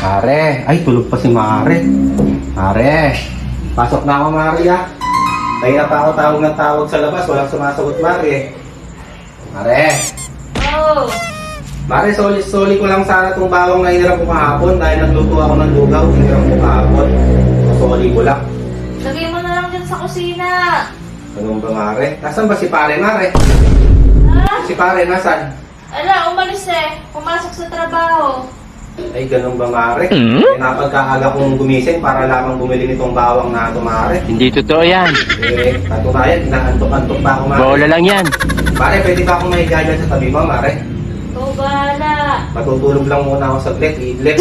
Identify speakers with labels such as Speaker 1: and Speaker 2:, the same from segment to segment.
Speaker 1: Mare, ay tulog pa si Mare. Mare, pasok na ako Mare ah. Kaya pa ako tawag sa labas, walang sumasagot Mare. Mare.
Speaker 2: Oh,
Speaker 1: Mare, soli ko lang sana itong bawang na hiniram ko kahapon dahil nagluto ako ng lugaw, hiniram ko kahapon. Soli ko lang.
Speaker 2: lagay mo na lang dyan sa kusina.
Speaker 1: Ganun ba Mare? Nasaan ba si Pare Mare?
Speaker 2: Ha?
Speaker 1: Si Pare, nasaan?
Speaker 2: Ala, umalis eh. Pumasok sa trabaho.
Speaker 1: Ay, ganun ba Mare? Eh, napagkaaga kong gumising para lamang bumili nitong bawang na ito Mare.
Speaker 3: Hindi totoo yan.
Speaker 1: Eh, patunayan, inaantok-antok pa ako Mare.
Speaker 3: Bola lang yan.
Speaker 1: Mare, pwede ba akong mahiga dyan sa tabi mo Mare?
Speaker 2: Ikaw bahala.
Speaker 1: Matutulog lang muna ako saglit, iidlip.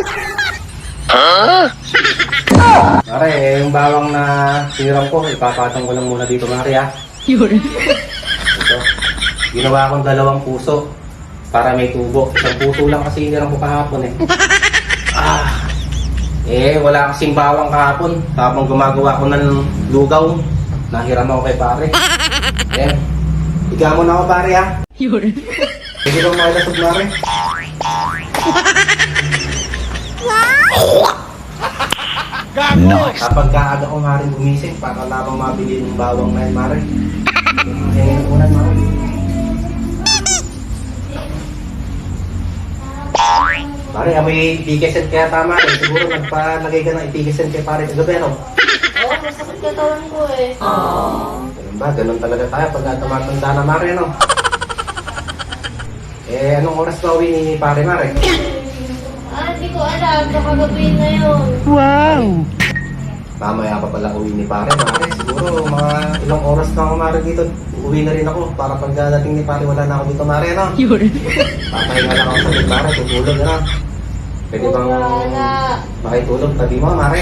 Speaker 1: Mare, eh, yung bawang na siniram ko, ipapatong ko lang muna dito Mare ha.
Speaker 2: Yun.
Speaker 1: Ito, ginawa akong 2 puso para may tubo. 1 puso lang kasi hiniram ko kahapon eh. Wala kasing bawang kahapon. Tapos gumagawa ko ng lugaw. Nahiram ako kay Pare. Higa mo na ako Pare ha.
Speaker 2: Yun.
Speaker 1: Hindi lang makalasog Mare.
Speaker 3: Nice.
Speaker 1: Kapag kaaga ko Mare gumising, para lamang mabili ng bawang na yun Mare. Hingin unan Mare. Pare, may itikisan kaya tama eh. Siguro nagpalagay ka ng itikisan kay Pare sa gabi, no?
Speaker 2: Oo, masakit katawan ko eh.
Speaker 1: Ganun ba? Ganun talaga tayo pag tumatanda na Mare, no? Anong oras ba uwi ni Pare Mare?
Speaker 2: Hindi ko alam. Baka gabihin na yun.
Speaker 3: Wow!
Speaker 1: Mamaya pa pala uwi ni Pare Mare. Siguro mga ilang oras na ako Mare dito. Uwi na rin ako para pagdating ni Pare wala na ako dito Mare, no?
Speaker 2: Yun.
Speaker 1: Papahinga lang ako sa bed Mare, tutulog na. Pwede bang
Speaker 2: Wala.
Speaker 1: makitulog tabi mo Mare?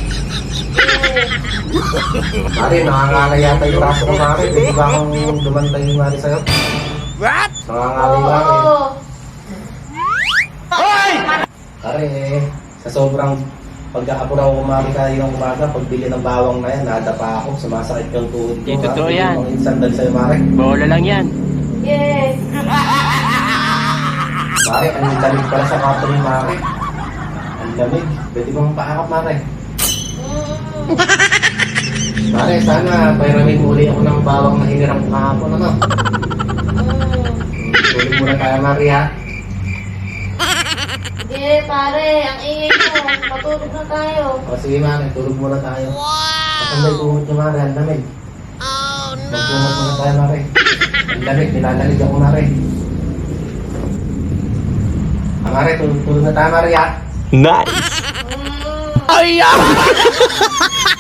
Speaker 1: Mare, nakangalay yata yung braso ko Mare. Pwede ba akong dumantay Mare sa'yo?
Speaker 3: What?
Speaker 1: Nakangalay Mare.
Speaker 2: Oo.
Speaker 1: Pare, sa sobrang pagka-apura ko Mare kayo ng umaga, pagbili ng bawang na yan, nadapa ako, sumasakit yung tuhod ko.
Speaker 3: Hindi totoo yan.
Speaker 1: Mga insandal sa'yo Mare.
Speaker 3: Bola lang yan.
Speaker 2: Yes.
Speaker 1: Mare, ang lamig pala sa kato ni Mare. Ang lamig. Pwede bang paakap Mare? Mare, sana pairamin muli ako ng bawang na hiniram ko kahapon, ano? Tulog muna tayo Mare ha.
Speaker 2: Sige, pare. Ang ingay mo. Matulog na tayo.
Speaker 1: O sige Mare, tulog muna tayo. Wow! Ang tuhod niyo Mare, ang lamig. Oh no! Magtumot muna tayo Mare. Ang lamig, nilalamig ako Mare. Mare, tulog na tayo Mare ha.
Speaker 3: Nice!
Speaker 2: Mm.
Speaker 3: Ay!